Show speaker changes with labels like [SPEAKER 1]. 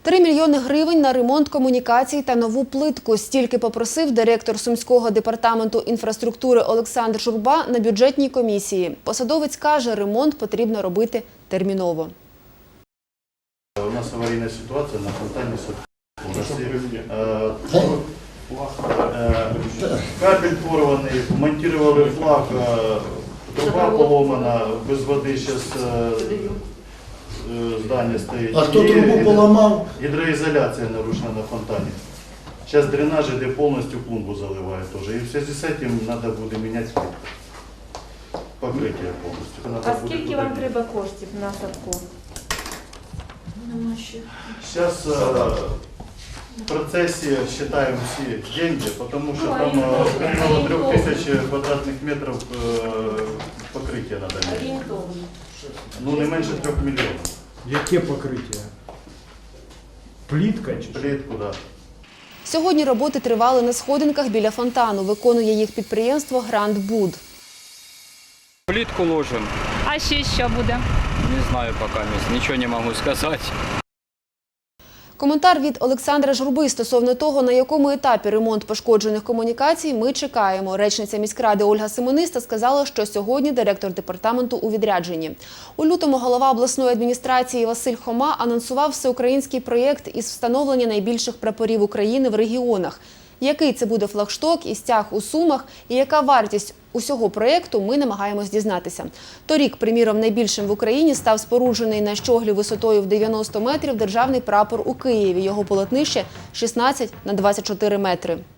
[SPEAKER 1] 3 мільйони гривень на ремонт комунікацій та нову плитку. Стільки попросив директор Сумського департаменту інфраструктури Олександр Журба на бюджетній комісії. Посадовець каже, ремонт потрібно робити терміново.
[SPEAKER 2] У нас аварийная ситуация на фонтане. Кабель порванный, монтировали флаг, труба поломана, без воды сейчас здание стоит.
[SPEAKER 3] А кто трубу поломал?
[SPEAKER 2] Гидроизоляция нарушена на фонтане. Сейчас дренаж где полностью клумбу заливает тоже. И в связи с этим надо будет менять покрытие полностью.
[SPEAKER 4] А скільки вам треба коштів на садку?
[SPEAKER 2] Сейчас в процессе считаем все деньги, потому что там около 3000 квадратных метров покрытия надо менять. Ну не менше 3 мільйонів.
[SPEAKER 5] Яке покриття? Плітка чи?
[SPEAKER 2] Плитку, да.
[SPEAKER 1] Сьогодні роботи тривали на сходинках біля фонтану. Виконує їх підприємство «Гранд Буд».
[SPEAKER 6] Плитку ложим.
[SPEAKER 4] А ще що буде?
[SPEAKER 6] Не знаю пока, ничего не могу сказать.
[SPEAKER 1] Коментар від Олександра Журби стосовно того, на якому етапі ремонт пошкоджених комунікацій, ми чекаємо. Речниця міськради Ольга Симониста сказала, що сьогодні директор департаменту у відрядженні. У лютому голова обласної адміністрації Василь Хома анонсував всеукраїнський проєкт із встановлення найбільших прапорів України в регіонах. Який це буде флагшток і стяг у Сумах, і яка вартість усього проєкту, ми намагаємось дізнатися. Торік, приміром, найбільшим в Україні став споруджений на щоглі висотою в 90 метрів державний прапор у Києві. Його полотнище 16 на 24 метри.